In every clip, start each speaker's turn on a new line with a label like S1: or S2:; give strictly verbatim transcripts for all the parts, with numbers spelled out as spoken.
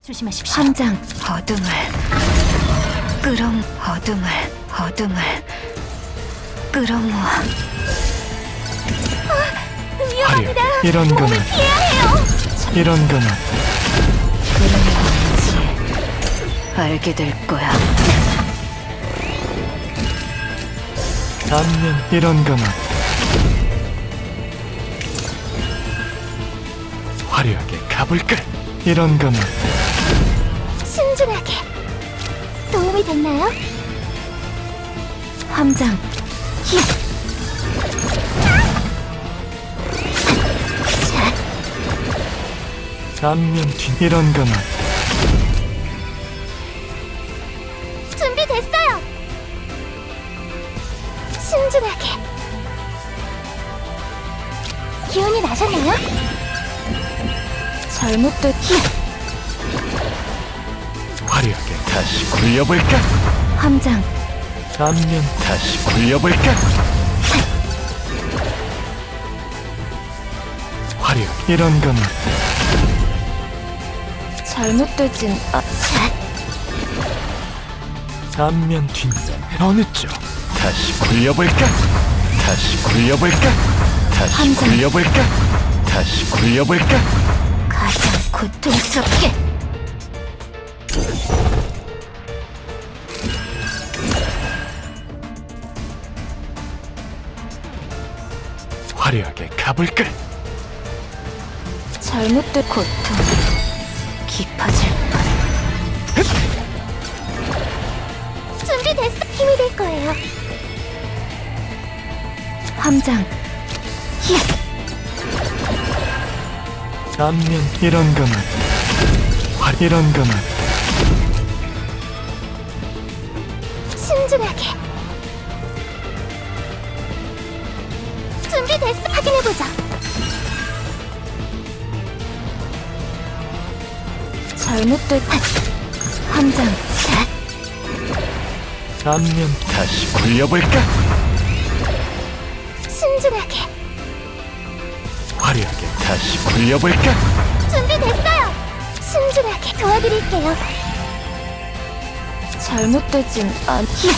S1: 조심하십시오.
S2: 함장 어둠을 끌어모 어둠을 어둠을 끌어모아.
S1: 위험합니다.
S3: 이런 거는
S1: 몸을 피해야 해요.
S3: 이런 거는
S2: 끌어모았지. 알게 될 거야.
S3: 단면 이런 거는 화려하게 가볼까? 이런 거는
S1: 신중하게. 도움이 됐나요?
S2: 함장
S1: 히야. 자,
S3: 단면 뒤 이런 거는
S1: 준비됐어요. 신중하게. 기운이 나셨나요?
S2: 잘못됐.
S1: 히야.
S3: 화려하게 다시 굴려볼까?
S2: 함장
S3: 단면 다시 굴려볼까? 화려하게 이런 거는
S2: 잘못되진 아.
S1: 자,
S3: 단면 뒷면 어느 쪽? 다시 굴려볼까? 다시 굴려볼까? 다시
S2: 함장.
S3: 굴려볼까? 다시 굴려볼까?
S2: 가장 고통스럽게.
S3: 화려하게 가볼까?
S2: 잘못된 고통 깊어질 뻔.
S1: 준비됐어. 힘이 될 거예요.
S2: 함장
S1: 히야.
S3: 단면 이런 거는 화 이런 거는
S1: 신중하게. 준비됐어. 확인해보자.
S2: 잘못된 함장
S1: 자,
S3: 단면 다시 굴려볼까?
S1: 신중하게.
S3: 화려하게 다시 굴려볼까?
S1: 준비됐어요. 신중하게 도와드릴게요.
S2: 잘못되진 않.
S1: 히야.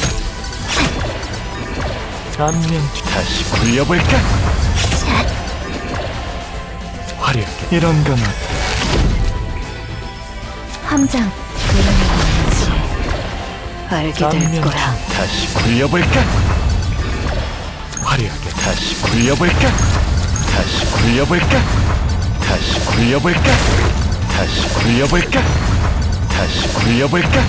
S3: 단면 다시 굴려볼까?
S1: 자,
S3: 화려하게 이런 거는
S2: 함장 그러면지 알게 될
S3: 단면
S2: 거야.
S3: 다시 굴려볼까? 화려하게 다시 굴려볼까? 다시 굴려볼까? 다시 굴려볼까? 다시 굴려볼까? 다시 굴려볼까?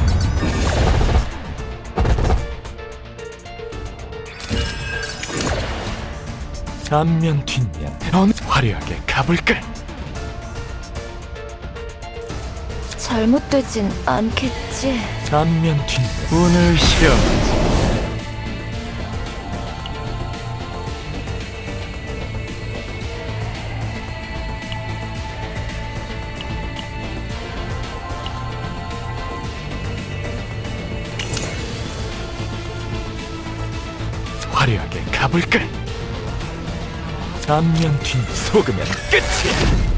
S3: 단면 뒷면 어느 화려하게 가볼까?
S2: 잘못되진 않겠지.
S3: 단면 뒷면 운을 시험 화려하게 가볼까? 단면 뒷 속으면 끝이야.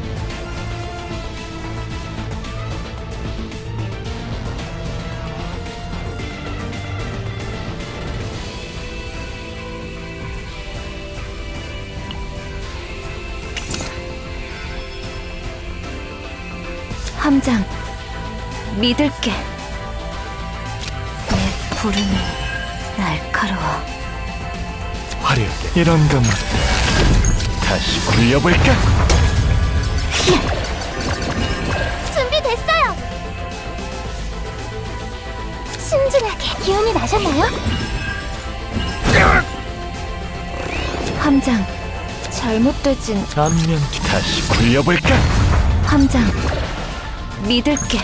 S2: 함장 믿을게. 내 부름이 날카로워.
S3: 화려하게 이런 거는 다시 굴려볼까?
S1: 히야. 준비됐어요. 신중하게. 기운이 나셨나요?
S2: 함장 잘못되진
S3: 단면 뒤 다시 굴려볼까?
S2: 함장 믿을게.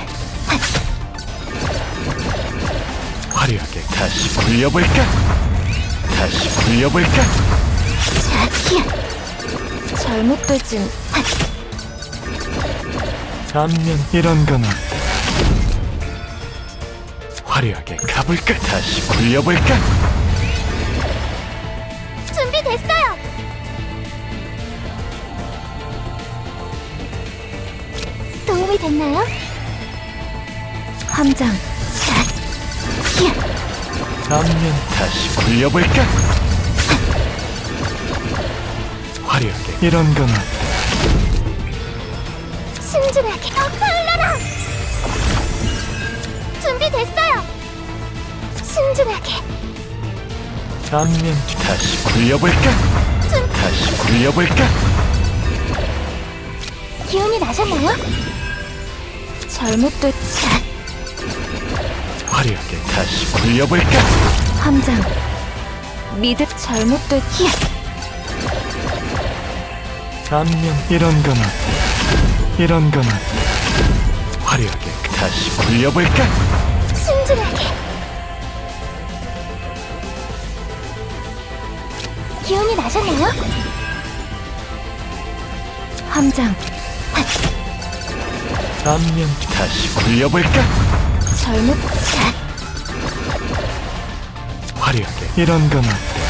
S3: 화려하게 다시 굴려볼까? 다시 굴려볼까?
S1: 자, 히야.
S2: 잘못되진
S3: 단면 이런 거는 화려하게 가볼까? 다시 굴려볼까?
S1: 준비됐어요. 도움이 됐나요?
S2: 함장.
S1: 자, 야,
S3: 안면 다시 굴려볼까? 화려하게 이런 거나
S1: 신중하게 엇갈려라. 준비됐어요. 신중하게.
S3: 안면 다시 굴려볼까?
S1: 준
S3: 다시 굴려볼까?
S1: 기운이 나셨나요?
S2: 잘못됐.
S1: 자,
S3: 화려하게 다시 굴려볼까?
S2: 함장. 믿을 잘못됐.
S1: 야,
S3: 안면 이런 거나 이런 거나 화려하게 다시 굴려볼까?
S1: 신중하게. 기운이 나셨나요?
S2: 함장.
S3: 안면 다시 굴려볼까?
S2: 잘못.
S1: 자,
S3: 화려하게 이런 거나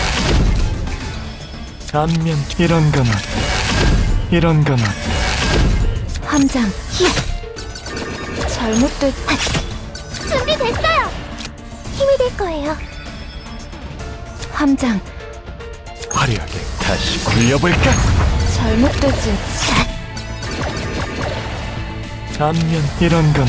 S3: 안면 이런 거나 이런 거나
S2: 함장.
S1: 야,
S2: 잘못됐.
S1: 준비됐어요. 힘이 될 거예요.
S2: 함장.
S3: 화려하게 다시 굴려볼까?
S2: 잘못되진.
S1: 자,
S3: 안면 이런 거나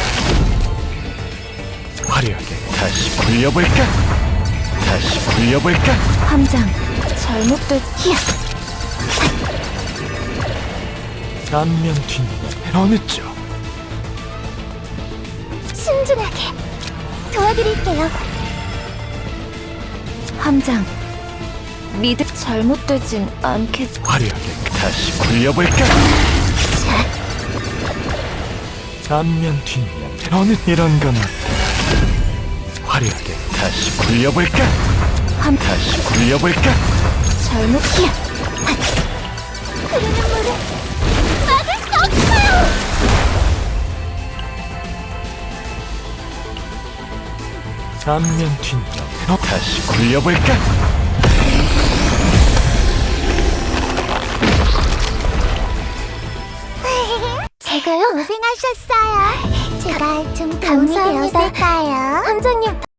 S3: 화려하게 다시 굴려볼까? 다시 굴려볼까?
S2: 함장. 잘못됐.
S1: 야,
S3: 안면 뒷면 어느 쪽?
S1: 신중하게. 도와드릴게요.
S2: 함장. 믿을 잘못되진 않겠.
S3: 화려하게 다시 굴려볼까?
S1: 자,
S3: 안면 뒷면 어느 이런 거나 화려하게 다시 굴려볼까?
S2: 함.
S3: 다시 굴려볼까?
S2: 잘못.
S1: 야, 흐르는 물을 막을 수 없어요.
S3: 안면 뒷면 어, 다시 굴려볼까?
S1: 제가요? 고생하셨어요. 제가 좀 감사합니다. 함장님